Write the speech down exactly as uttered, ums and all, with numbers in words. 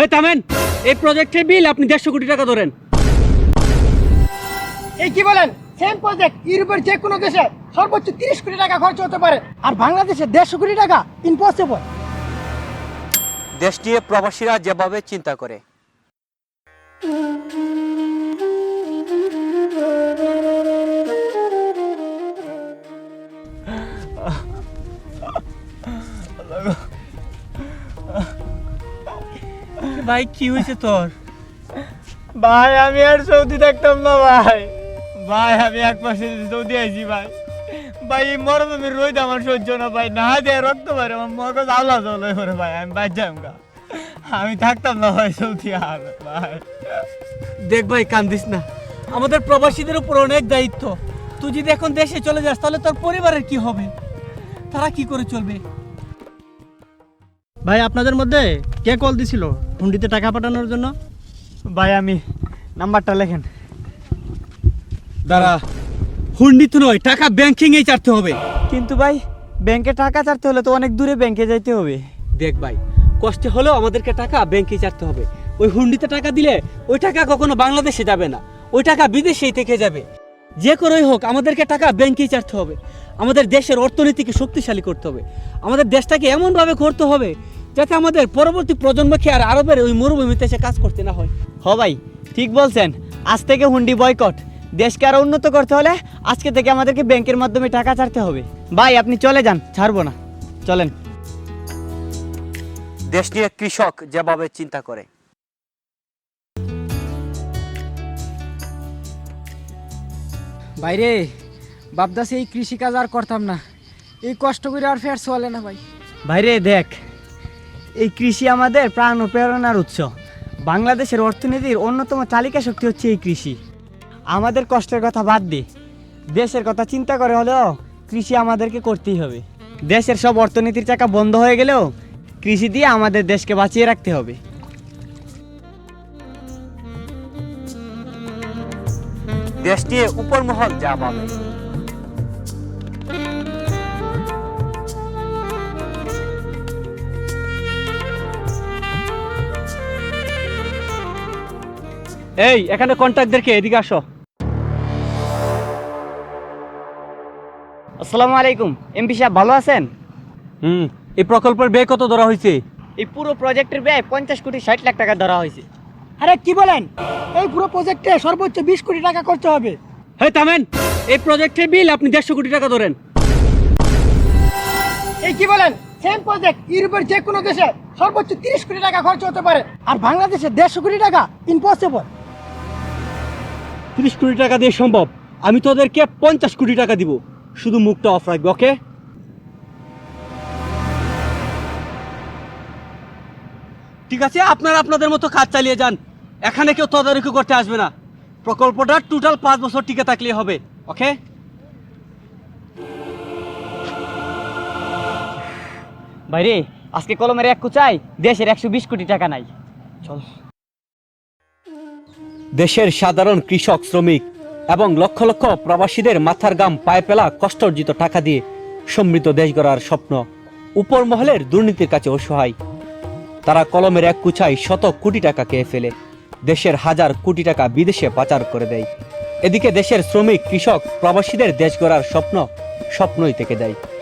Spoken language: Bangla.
এই থামেন, এই প্রজেক্টের বিল আপনি দেড়শো কোটি টাকা ধরেন। এই কি বলেন? সেম প্রজেক্ট ইউরোপের যে কোনো দেশে সর্বোচ্চ তিরিশ কোটি টাকা খরচ হতে পারে, আর বাংলাদেশে দেড়শো কোটি টাকা ইম্পসিবল। দেশ নিয়ে প্রবাসীরা যেভাবে চিন্তা করে, ভাই কি হয়েছে তোর? ভাই আমি আর সৌদি থাকতাম না ভাই। ভাই আমি এক মাসে সৌদি আইছি ভাই। ভাই এই মরমের রোদ আমার সহ্য না ভাই, না দিয়ে রক্ত পারে আমার মগজ আওলা জল হয়ে পড়ে ভাই। আমি বাইর যাম গা, আমি থাকতাম না ভাই সৌদি আর ভাই। দেখ ভাই কান্দিস না, আমাদের প্রবাসীদের উপর অনেক দায়িত্ব। তুই যদি এখন দেশে চলে যাস তাহলে তোর পরিবারের কি হবে? তারা কি করে চলবে? ভাই আপনাদের মধ্যে কে কল দিছিল হুন্ডিতে টাকা পাঠানোর জন্য? ভাই আমি, নাম্বারটা লেখেন। দাঁড়া, হুন্ডি তো নয়, টাকা ব্যাংকিং এই চারতে হবে। কিন্তু ভাই ব্যাংকে টাকা চাইতে হলে তো অনেক দূরে ব্যাংকে যাইতে হবে। দেখ ভাই, কষ্টে হলেও আমাদেরকে টাকা ব্যাংকে চারতে হবে। ওই হুন্ডিতে টাকা দিলে ওই টাকা কখনো বাংলাদেশে যাবে না, ওই টাকা বিদেশেই থেকে যাবে। যে করেই হোক আমাদেরকে টাকা ব্যাংকেই চারতে হবে। আমাদের দেশের অর্থনীতিকে শক্তিশালী করতে হবে, আমাদের দেশটাকে এমনভাবে করতে হবে যাতে আমাদের পরবর্তী প্রজন্মকে আর আরবের ওই মরুভূমিতে এসে কাজ করতে না হয়। হ ভাই ঠিক বলছেন, আজ থেকে হুন্ডি বয়কট। দেশকে আরো উন্নত করতে হলে আজকে থেকে আমাদেরকে ব্যাংকের মাধ্যমে টাকা ছাড়তে হবে। ভাই আপনি চলে যান, ছাড়বো না, চলেন। দেশ নিয়ে কৃষক যেভাবে চিন্তা করে, বাইরে বাপদাসে এই কৃষিকাজ আর করতাম না, এই কষ্ট করে আর ফের চলে না ভাই। ভাইরে দেখ, এই কৃষি আমাদের প্রাণ ও প্রেরণার উৎস। বাংলাদেশের অর্থনীতির অন্যতম চালিকা শক্তি হচ্ছে এই কৃষি। আমাদের কষ্টের কথা বাদ দি, দেশের কথা চিন্তা করে হলেও কৃষি আমাদেরকে করতেই হবে। দেশের সব অর্থনীতির চাকা বন্ধ হয়ে গেলেও কৃষি দিয়ে আমাদের দেশকে বাঁচিয়ে রাখতে হবে। দেশ নিয়ে উপর মহল যা ভাবে, এই এখানে কন্ট্রাক্টরকে এদিকে আসো। আসসালামু আলাইকুম। এমপি সাহেব ভালো আছেন? হুম, এই প্রকল্পের ব্যয় কত ধরা হয়েছে? এই পুরো প্রজেক্টের ব্যয় পঞ্চাশ কোটি ষাট লাখ টাকা ধরা হয়েছে। আরে কি বলেন? এই পুরো প্রজেক্টে সর্বোচ্চ বিশ কোটি টাকা খরচ হবে। হ্যাঁ থামেন, এই প্রজেক্টের বিল আপনি দেড়শো কোটি টাকা ধরেন। এই কি বলেন? সেম প্রজেক্ট ইউরোপের যে কোনো দেশে সর্বোচ্চ তিরিশ কোটি টাকা খরচ হতে পারে, আর বাংলাদেশে দেড়শো কোটি টাকা ইম্পসিবল। তিরিশ কোটি টাকা দিয়ে সম্ভব, আমি তোদেরকে পঞ্চাশ কোটি টাকা দিব, শুধু মুখটা অফ রাখবে। ওকে? ঠিক আছে, আপনারা আপনাদের মতো কাজ চালিয়ে যান, এখানে কেউ তদারকি করতে আসবে না। প্রকল্পটা টোটাল পাঁচ বছর টিকে থাকলেই হবে। ওকে? ভাইরে আজকে কলমের এক কুচাই দেশের একশো বিশ কোটি টাকা নাই। চল। দেশের সাধারণ কৃষক, শ্রমিক এবং লক্ষ লক্ষ প্রবাসীদের মাথার ঘাম পায়ে ফেলা কষ্টার্জিত টাকা দিয়ে সমৃদ্ধ দেশ গড়ার স্বপ্ন উপর মহলের দুর্নীতির কাছে অসহায়। তারা কলমের এক কুচাই শত কোটি টাকা খেয়ে ফেলে, দেশের হাজার কোটি টাকা বিদেশে পাচার করে দেয়। এদিকে দেশের শ্রমিক, কৃষক, প্রবাসীদের দেশ গড়ার স্বপ্ন স্বপ্নই থেকে দেয়।